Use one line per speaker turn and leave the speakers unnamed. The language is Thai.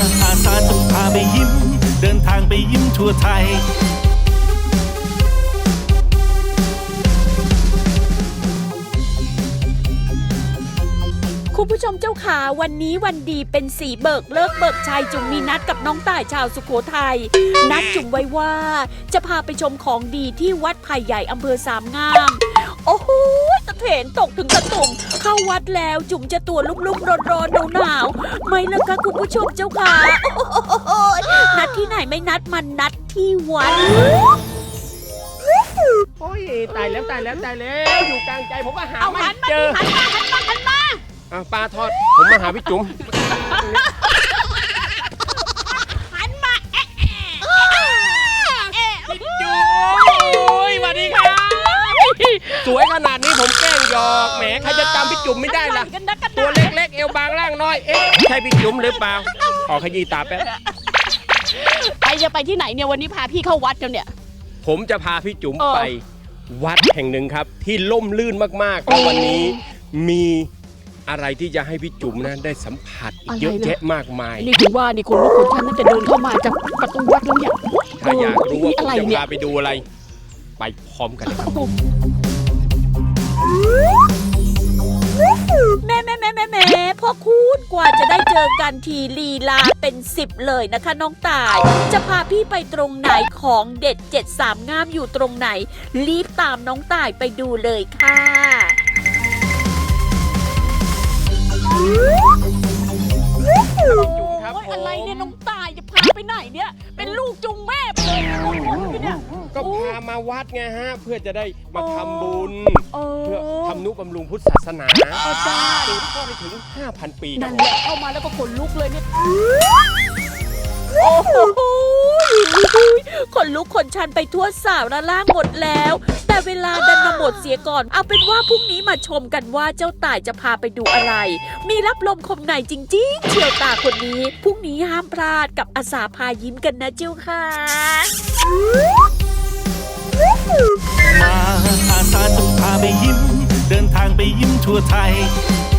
อาสาจะพาไปยิ้มเดินทางไปยิ้มทั่วไทย
คุณผู้ชมเจ้าขาวันนี้วันดีเป็นสีเบิกเลิกเบิกชัยจุ๋มมีนัดกับน้องต่ายชาวสุโขทัยนัดจุ๋มไว้ว่าจะพาไปชมของดีที่วัดไผ่ใหญ่อำเภอสามงามโอ้โหตะเถนตกถึงตะตุ่มเข้าวัดแล้วจุ๋มจะตัวลุ่มๆร้อนๆหนาวๆไม่ละคะคุณผู้ชมเจ้าขานัดที่ไหนไม่นัดมันนัดที่วัด
โอ้ยตายแล้วอยู่กลางใจผมก็หาไม่เจอหันมาปลาทอดผมมาหาพี่จุ๋ม
หันมา
พี่จุ๋มสวัสดีครับสวยขนาดนี้ผมแกล้งหยอกแหมใครจะจำพี่จุ๋มไม่ได้ล่ะตัวเล็กๆเอวบางร่างน้อยเอ๊ะใช่พี่จุ๋มหรือเปล่าขอขยี้ตาแป๊บ
จะไปที่ไหนเนี่ยวันนี้พาพี่เข้าวัดกันเนี่ย
ผมจะพาพี่จุ๋มไปวัดแห่งหนึ่งครับที่ล่มลื่นมากๆแล้ววันนี้มีอะไรที่จะให้พี่จุ๋มนะได้สัมผัสเยอะแยะมากมาย
นี่คือว่านี่คนลุกคนชันตั้งแต่เดินเข้ามาจากประตูวัดแล้วเนี่ย
ถ้าอยากรู้ว่าผมจะพาไปดูอะไรไปพร้อมกันเลยครับ
แม่พ่อคุณกว่าจะได้เจอกันทีลีลาเป็น10เลยนะคะน้องต่ายจะพาพี่ไปตรงไหนของเด็ด73งามอยู่ตรงไหนรีบตามน้องต่ายไปดูเลยค่ะอะไรเนี่ยน้องตายจะพาไปไหนเนี่ยเป็นลูกจุงแม่ไปเลยเนี่ย
ก็พามาวัดไงฮะเพื่อจะได้มาทำบุญเพื่อทำนุบำรุงพุทธศาสนาสืบทอดไปถึง 5,000 ปี
นั่นแหละเข้ามาแล้วก็ขนลุกเลยเนี่ยโอ้โหขนลุกขนชันไปทั่วสาวระล่างหมดแล้วแต่เวลาดันมาหมดเสียก่อนเอาเป็นว่าพรุ่งนี้มาชมกันว่าเจ้าต่ายจะพาไปดูอะไรมีรับลมคมในจริงๆเชี่ยวตาคนนี้พรุ่งนี้ห้ามพลาดกับอาสาพายิ้มกันนะเจ้าค่ะ
มาอาสาจะพาไปยิ้มเดินทางไปยิ้มทั่วไทย